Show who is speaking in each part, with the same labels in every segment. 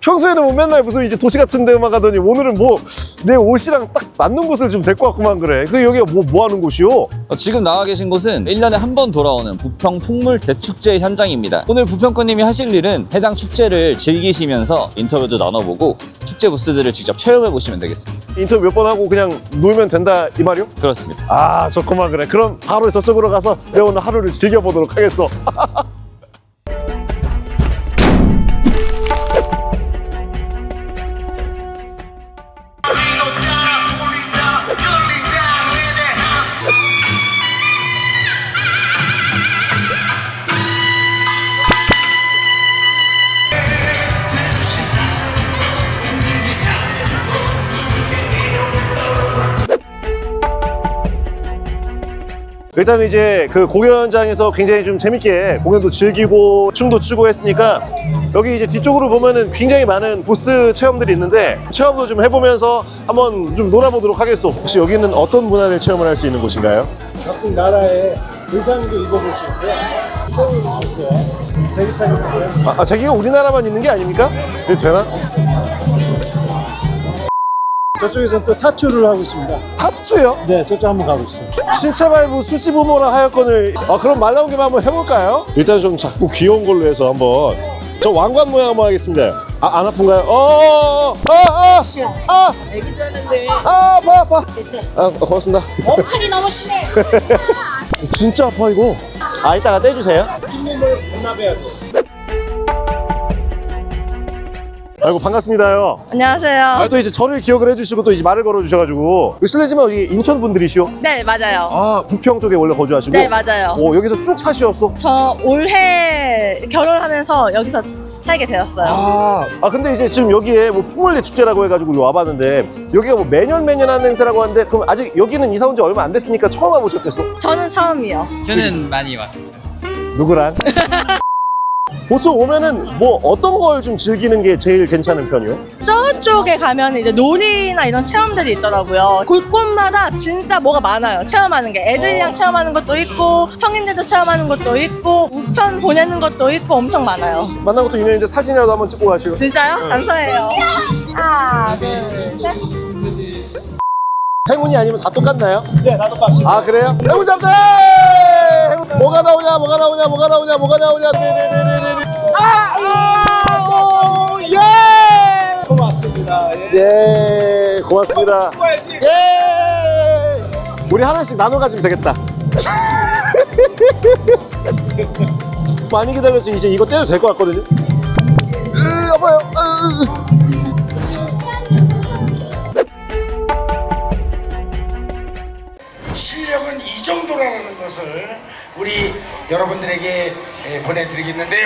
Speaker 1: 평소에는 뭐 맨날 무슨 이제 도시 같은 데만 가더니 오늘은 뭐 내 옷이랑 딱 맞는 곳을 좀 데리고 왔구만 그래. 그 여기가 뭐 하는 곳이요?
Speaker 2: 지금 나와 계신 곳은 1년에 한 번 돌아오는 부평 풍물 대축제 현장입니다. 오늘 부평권님이 하실 일은 해당 축제를 즐기시면서 인터뷰도 나눠보고 축제 부스들을 직접 체험해 보시면 되겠습니다.
Speaker 1: 인터뷰 몇 번 하고 그냥 놀면 된다 이 말이요?
Speaker 2: 그렇습니다.
Speaker 1: 아 좋구만 그래. 그럼 바로 저쪽으로 가서 내가 오늘 하루를 즐겨보도록 하겠어. 일단 이제 그 공연장에서 굉장히 좀 재밌게 공연도 즐기고 춤도 추고 했으니까 여기 이제 뒤쪽으로 보면은 굉장히 많은 부스 체험들이 있는데 체험도 좀 해보면서 한번 좀 놀아보도록 하겠어. 혹시 여기는 어떤 문화를 체험을 할 수 있는 곳인가요?
Speaker 3: 각국 나라의 의상도 입어볼 수 있고요. 체험해볼 수 있고요. 제기차기 있고요.
Speaker 1: 제기가 우리나라만 있는 게 아닙니까? 이거 되나?
Speaker 3: 저쪽에서는 또 타투를 하고 있습니다.
Speaker 1: 타투요?
Speaker 3: 네, 저쪽 한번 가보시죠.
Speaker 1: 신체 발부 수지부모라 하였건을 그럼 말 나온 김에 한번 해볼까요? 일단 좀 작고 귀여운 걸로 해서 한번 저 왕관 모양 한번 하겠습니다. 안 아픈가요?
Speaker 4: 애기도 하는데
Speaker 1: 아파.
Speaker 4: 됐어.
Speaker 1: 고맙습니다.
Speaker 4: 몸살이 너무 심해.
Speaker 1: 진짜 아파 이거. 이따가 떼주세요.
Speaker 3: 흰몸을 반납해야 돼.
Speaker 1: 아이고 반갑습니다요.
Speaker 5: 안녕하세요.
Speaker 1: 또 이제 저를 기억을 해주시고 또 이제 말을 걸어주셔가지고 실례지만 여기 인천 분들이시오?
Speaker 5: 네, 맞아요.
Speaker 1: 부평 쪽에 원래 거주하시고?
Speaker 5: 네, 맞아요.
Speaker 1: 여기서 쭉 사시었어?
Speaker 5: 저 올해 결혼하면서 여기서 살게 되었어요.
Speaker 1: 근데 이제 지금 여기에 뭐 풍월리 축제라고 해가지고 와봤는데 여기가 뭐 매년 하는 행사라고 하는데 그럼 아직 여기는 이사 온 지 얼마 안 됐으니까 처음 와보셨겠어?
Speaker 5: 저는 처음이요.
Speaker 6: 저는 많이 왔었어요.
Speaker 1: 누구랑? 보통 오면은 뭐 어떤 걸 좀 즐기는 게 제일 괜찮은 편이요?
Speaker 5: 저쪽에 가면 이제 놀이나 이런 체험들이 있더라고요. 곳곳마다 진짜 뭐가 많아요. 체험하는 게. 애들이랑 체험하는 것도 있고 성인들도 체험하는 것도 있고 우편 보내는 것도 있고 엄청 많아요.
Speaker 1: 만난 것도 인연인데 사진이라도 한번 찍고 가시고.
Speaker 5: 진짜요? 감사해요. 하나, 둘, 셋.
Speaker 1: 행운이 아니면 다 똑같나요?
Speaker 3: 네, 나도 봤어요.
Speaker 1: 그래요? 행운 잡자! 뭐가 나오냐? 예!
Speaker 3: 고맙습니다.
Speaker 1: 예, 고맙습니다. 예! 우리 하나씩 나눠 가지면 되겠다. 많이 기다려서 이제 이거 떼도 될 것 같거든요. 여보요.
Speaker 7: 실력은 이 정도라는 것을 우리 여러분들에게 보내드리겠는데요.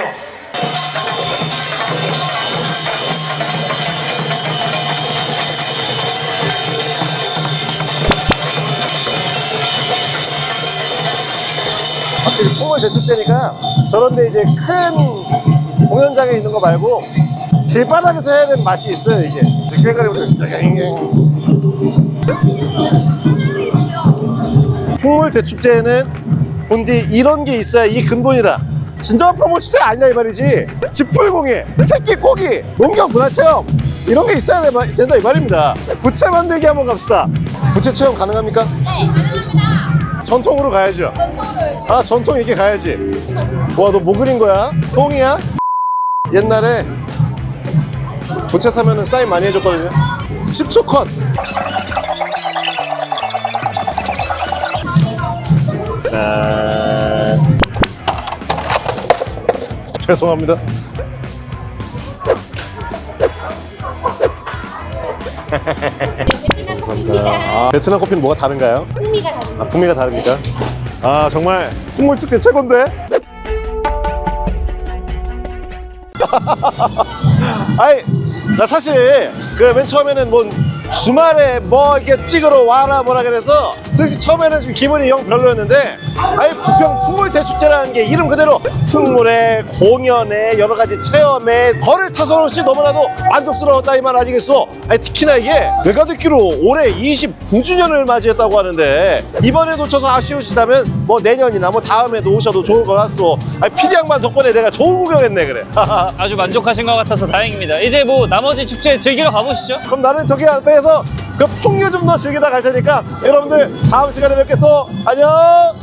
Speaker 1: 확실히 풍월 대축제니까 저런데 이제 큰 공연장에 있는 거 말고 길바닥에서 해야 되는 맛이 있어요 이게. 풍월 대축제에는 본디 이런 게 있어야 이게 근본이다. 진정한 풍월 축제가 아니냐 이 말이지. 쥐풀공예, 새끼꼬기, 농경 문화체험 이런 게 있어야 된다 이 말입니다. 부채 만들기 한번 갑시다. 부채 체험 가능합니까?
Speaker 8: 네, 가능합니다.
Speaker 1: 전통으로 가야죠.
Speaker 8: 전통으로.
Speaker 1: 전통 이게 가야지. 와, 너 뭐 그린 거야? 똥이야? 옛날에 부채 사면은 사인 많이 해줬거든요. 10초 컷. 죄송합니다.
Speaker 8: 베트남 커피입니다.
Speaker 1: 베트남 커피는 뭐가 다른가요?
Speaker 8: 풍미가 다릅니다.
Speaker 1: 풍미가 다릅니까? 정말 풍물 축제 최고인데? 나 사실 그 맨 처음에는 뭐 주말에 뭐 이렇게 찍으러 와라 뭐라 그래서 솔직히 처음에는 좀 기분이 영 별로였는데 아예 부평 풍물대축제라는 게 이름 그대로 풍물에 공연에 여러 가지 체험에 거를 타서는 씨 너무나도 만족스러웠다 이 말 아니겠어? 아니 특히나 이게 내가 듣기로 올해 29주년을 맞이했다고 하는데 이번에 놓쳐서 아쉬우시다면 뭐 내년이나 뭐 다음에도 오셔도 좋을 것 같소. 아니 PD 양반 덕분에 내가 좋은 구경했네 그래.
Speaker 2: 아주 만족하신 것 같아서 다행입니다. 이제 뭐 나머지 축제 즐기러 가보시죠.
Speaker 1: 그럼 나는 저기 앞에서 그 풍류 좀 더 즐기다 갈 테니까 여러분들 다음 시간에 뵙겠어. 안녕.